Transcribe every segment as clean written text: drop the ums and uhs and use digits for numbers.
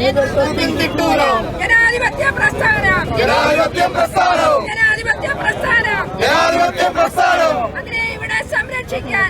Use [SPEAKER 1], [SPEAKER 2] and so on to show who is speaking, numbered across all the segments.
[SPEAKER 1] ജനാധിപത്യ പ്രസ്ഥാനം അതിനെ ഇവിടെ സംരക്ഷിക്കാൻ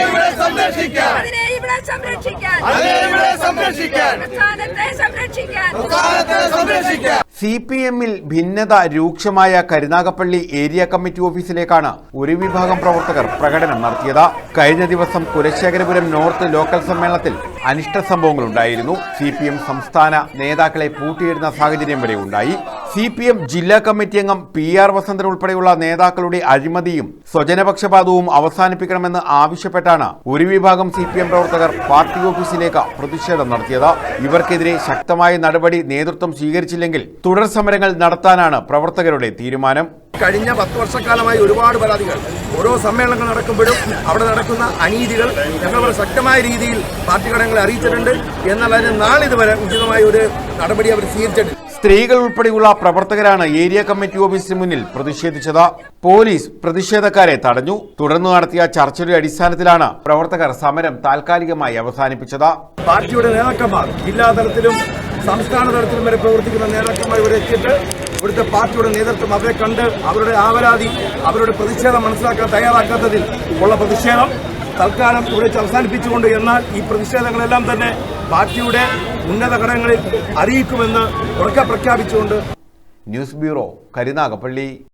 [SPEAKER 2] CPM-ൽ ഭിന്നത രൂക്ഷമായ കരുനാഗപ്പള്ളി ഏരിയ കമ്മിറ്റി ഓഫീസിലേക്കാണ് ഒരു വിഭാഗം പ്രവർത്തകർ പ്രകടനം നടത്തിയത്. കഴിഞ്ഞ ദിവസം കുലശേഖരപുരം നോർത്ത് ലോക്കൽ സമ്മേളനത്തിൽ അനിഷ്ട സംഭവങ്ങളുണ്ടായിരുന്നു. CPM സംസ്ഥാന നേതാക്കളെ പൂട്ടിയിടുന്ന സാഹചര്യം വരെ ഉണ്ടായി. CPM ജില്ലാ കമ്മിറ്റി അംഗം PR വസന്തൻ ഉൾപ്പെടെയുള്ള നേതാക്കളുടെ അഴിമതിയും സ്വജനപക്ഷപാതവും അവസാനിപ്പിക്കണമെന്ന് ആവശ്യപ്പെട്ടാണ് ഒരു വിഭാഗം CPM പ്രവർത്തകർ പാർട്ടി ഓഫീസിലേക്ക് പ്രതിഷേധം നടത്തിയത്. ഇവർക്കെതിരെ ശക്തമായ നടപടി നേതൃത്വം സ്വീകരിച്ചില്ലെങ്കിൽ തുടർ സമരങ്ങൾ നടത്താനാണ് പ്രവർത്തകരുടെ തീരുമാനം.
[SPEAKER 3] കഴിഞ്ഞ 10 വർഷക്കാലമായി ഒരുപാട് പരാതികൾ ഓരോ സമ്മേളനങ്ങൾ നടക്കുമ്പോഴും അവിടെ നടക്കുന്ന അനീതികൾ ഞങ്ങൾ ശക്തമായ രീതിയിൽ പാർട്ടി ഘടകങ്ങളെ അറിയിച്ചിട്ടുണ്ട്. എന്നാൽ അതിന് നാളിതുവരെ ഉചിതമായ ഒരു നടപടി അവർ സ്വീകരിച്ചിട്ടുണ്ട്.
[SPEAKER 2] സ്ത്രീകൾ ഉൾപ്പെടെയുള്ള പ്രവർത്തകരാണ് ഏരിയ കമ്മിറ്റി ഓഫീസിന് മുന്നിൽ പ്രതിഷേധിച്ചത്. പോലീസ് പ്രതിഷേധക്കാരെ തടഞ്ഞു. തുടർന്ന് നടത്തിയ ചർച്ചയുടെ അടിസ്ഥാനത്തിലാണ് പ്രവർത്തകർ സമരം താൽക്കാലികമായി അവസാനിപ്പിച്ചത്.
[SPEAKER 3] പാർട്ടിയുടെ നേതാക്കന്മാർ ജില്ലാ തലത്തിലും സംസ്ഥാന തലത്തിലും വരെ പ്രവർത്തിക്കുന്ന നേതാക്കന്മാർ ഇവിടെ എത്തിയിട്ട് ഇവിടുത്തെ പാർട്ടിയുടെ നേതൃത്വം അവരെ കണ്ട് അവരുടെ ആവലാതി അവരുടെ പ്രതിഷേധം മനസ്സിലാക്കാൻ തയ്യാറാക്കാത്തതിൽ ഉള്ള പ്രതിഷേധം തൽക്കാലം ഇവിടെ അവസാനിപ്പിച്ചുകൊണ്ട്, എന്നാൽ ഈ പ്രതിഷേധങ്ങളെല്ലാം തന്നെ പാർട്ടിയുടെ ഉന്നത ഘടകങ്ങളിൽ അറിയിക്കുമെന്ന് ഉറക്കെ പ്രഖ്യാപിച്ചുകൊണ്ട്
[SPEAKER 2] ന്യൂസ് ബ്യൂറോ, കരുനാഗപ്പള്ളി.